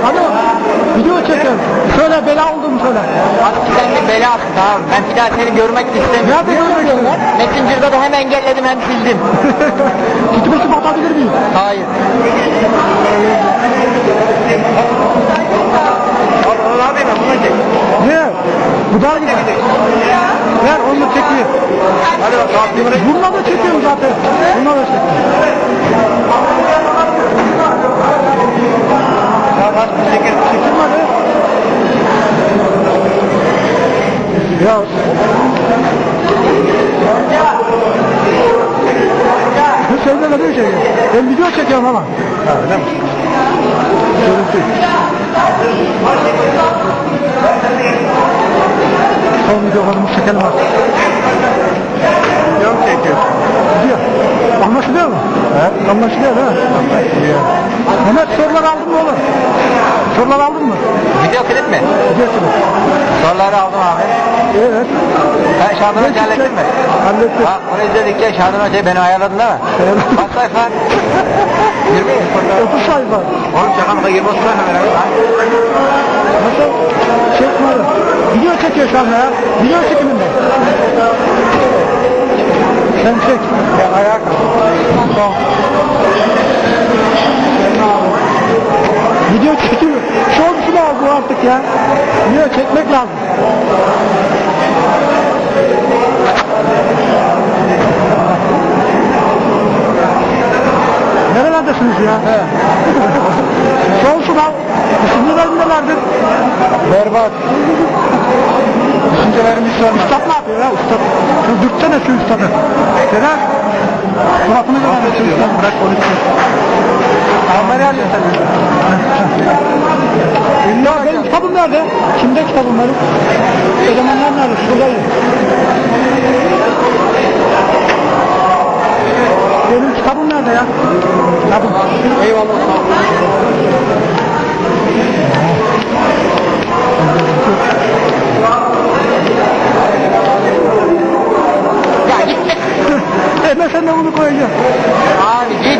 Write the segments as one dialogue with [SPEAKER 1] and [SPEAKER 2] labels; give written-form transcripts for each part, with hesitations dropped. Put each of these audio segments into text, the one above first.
[SPEAKER 1] Alo, video çekiyorum. Söyle, bela oldum söyle.
[SPEAKER 2] Abi sen bir belasın abi. Ben bir daha seni görmek de istemiyorum.
[SPEAKER 1] Nerede görmek istiyorsun?
[SPEAKER 2] Messenger'da da hem engelledim hem sildim.
[SPEAKER 1] Kitapçı bakabilir miyim?
[SPEAKER 2] Hayır. Abi ben bunu çek.
[SPEAKER 1] Ne? Bu daha güzel. Ver onu çekeyim.
[SPEAKER 2] Hadi bak abi.
[SPEAKER 1] Bununla da çekiyorum zaten. Bununla da çekiyorum. Çekilmedi. Ya. Bu şeyde ne bir şey? Ben video çekiyorum ama. Ha, öyle mi? Görüntü. Son videolarımı çekelim artık.
[SPEAKER 2] Yok çekiyor.
[SPEAKER 1] Gidiyor. Anlaşılıyor mu? He? Anlaşılıyor değil mi? Anlaşılıyor. Mehmet sorular aldın mı oğlum? Sorular aldın mı?
[SPEAKER 2] Video klip mi?
[SPEAKER 1] Video klip.
[SPEAKER 2] Soruları aldım abi.
[SPEAKER 1] Evet.
[SPEAKER 2] Sen Şadan Hoca hallettin mi?
[SPEAKER 1] Hallettim.
[SPEAKER 2] Bak onu izledikçe Şadan Hoca'yı beni ayarladın değil mi?
[SPEAKER 1] Evet.
[SPEAKER 2] Kaç sayfa? 20 mi?
[SPEAKER 1] 30 sayfa.
[SPEAKER 2] Oğlum şaka mı? 20 sayfa beraber.
[SPEAKER 1] Nasıl? Çekmedi. Video çekiyor şu anda ya. Video çekiminde. Sen çek.
[SPEAKER 2] Ya ayağa kalk.
[SPEAKER 1] Tamam. Video çekiyor. Şortunu al bu artık ya. Video çekmek lazım. Nerelerdesiniz ya? He. Şortunu al. Düşüncelerin nelerdir?
[SPEAKER 2] Berbat. Düşüncelerimiz sorma.
[SPEAKER 1] Üstad ne yapıyor ya üstad? Şu dürtsene şu üstadı. Sedat. Suratını görmüyor. Bırak konuşsun.
[SPEAKER 2] Kamerayı alıyor sen.
[SPEAKER 1] Ya benim kitabım nerede? Kimde kitabım benim? Elemanlar nerede? Şuradayım. Benim kitabım nerede ya? Kitabım.
[SPEAKER 2] Eyvallah. Ya git.
[SPEAKER 1] Ben sen de bunu koyacağım.
[SPEAKER 2] Abi git.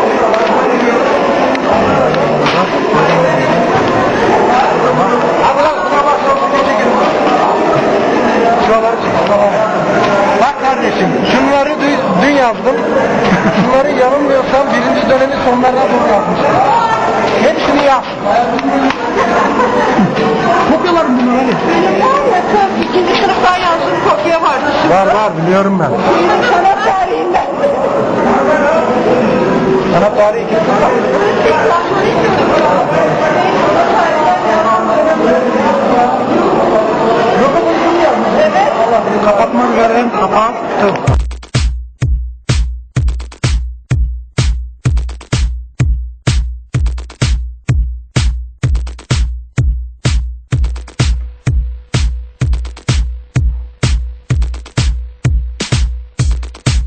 [SPEAKER 2] Abi lan buna bak. Şuraları çek. Bak kardeşim şunları dün yazdım. Şunları yanılmıyorsam 1. dönemin sonlarına doğru yazmışım. Hepsini yaz.
[SPEAKER 1] Kopyalarım bunları hadi.
[SPEAKER 3] İkinci sınıftan yazdığım kopya vardı.
[SPEAKER 1] Var biliyorum ben.
[SPEAKER 3] Sanat tarihinden.
[SPEAKER 2] Sanat tarihi 2. sınıf.
[SPEAKER 1] Kapatmak üzere kapattım.